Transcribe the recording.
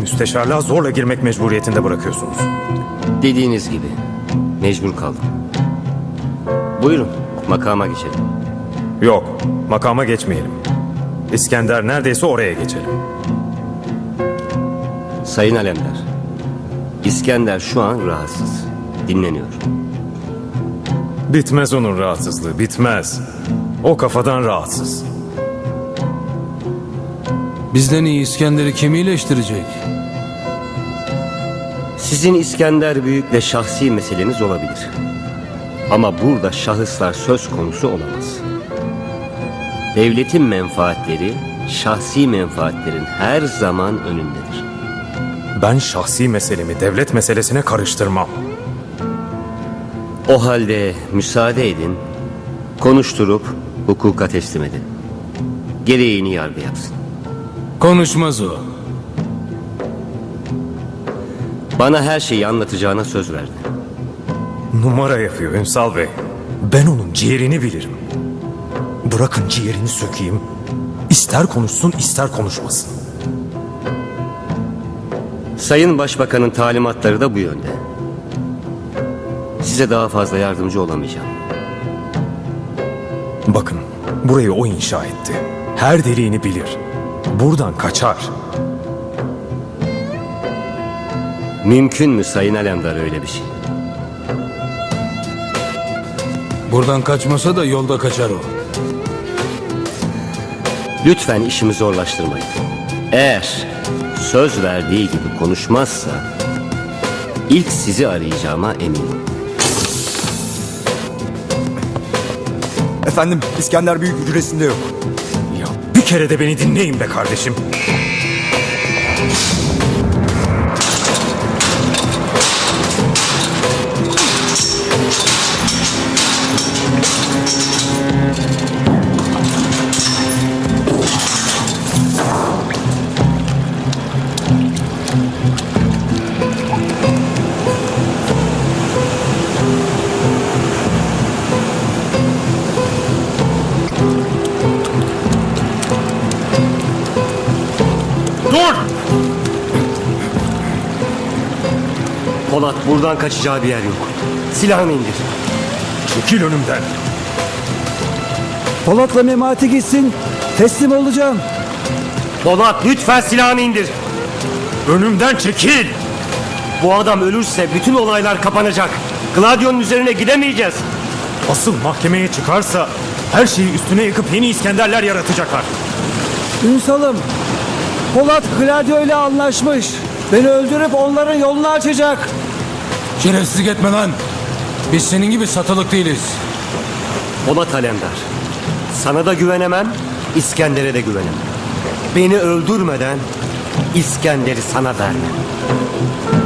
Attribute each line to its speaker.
Speaker 1: müsteşarlığa zorla girmek mecburiyetinde bırakıyorsunuz.
Speaker 2: Dediğiniz gibi mecbur kaldım. Buyurun makama geçelim.
Speaker 1: Yok, makama geçmeyelim. İskender neredeyse oraya geçelim.
Speaker 2: Sayın Alemdar, İskender şu an rahatsız. Dinleniyor.
Speaker 1: Bitmez onun rahatsızlığı, bitmez. O kafadan rahatsız.
Speaker 3: Bizden iyi İskender'i kim iyileştirecek?
Speaker 2: Sizin İskender Büyük'le şahsi meseleniz olabilir. Ama burada şahıslar söz konusu olamaz. Devletin menfaatleri, şahsi menfaatlerin her zaman önündedir.
Speaker 1: Ben şahsi meselemi devlet meselesine karıştırmam.
Speaker 2: O halde müsaade edin, konuşturup hukuka teslim edin. Gereğini yargı yapsın.
Speaker 3: Konuşmaz o.
Speaker 2: Bana her şeyi anlatacağına söz verdi.
Speaker 1: Numara yapıyor Ünsal Bey. Ben onun ciğerini bilirim. Bırakın ciğerini sökeyim. İster konuşsun ister konuşmasın.
Speaker 2: Sayın Başbakan'ın talimatları da bu yönde. Size daha fazla yardımcı olamayacağım.
Speaker 1: Bakın, burayı o inşa etti. Her deliğini bilir. Buradan kaçar.
Speaker 2: Mümkün mü Sayın Alemdar öyle bir şey?
Speaker 3: Buradan kaçmasa da yolda kaçar o.
Speaker 2: Lütfen işimi zorlaştırmayın. Eğer söz verdiği gibi konuşmazsa ilk sizi arayacağıma eminim.
Speaker 4: Efendim, İskender Büyük hücresinde yok.
Speaker 1: Ya bir kere de beni dinleyin be kardeşim.
Speaker 2: Dur! Polat, buradan kaçacağı bir yer yok. Silahını indir.
Speaker 1: Çekil önümden.
Speaker 5: Polat'la Memati gitsin. Teslim olacağım.
Speaker 2: Polat, lütfen silahını indir.
Speaker 1: Önümden çekil.
Speaker 2: Bu adam ölürse bütün olaylar kapanacak. Gladio'nun üzerine gidemeyeceğiz.
Speaker 1: Asıl mahkemeye çıkarsa her şeyi üstüne yıkıp yeni İskenderler yaratacaklar.
Speaker 5: Ünsal'ım, Polat Gladio ile anlaşmış. Beni öldürüp onların yolunu açacak.
Speaker 3: Şerefsizlik etme lan. Biz senin gibi satılık değiliz.
Speaker 2: Polat Alemdar, sana da güvenemem, İskender'e de güvenemem. Beni öldürmeden İskender'i sana vermem.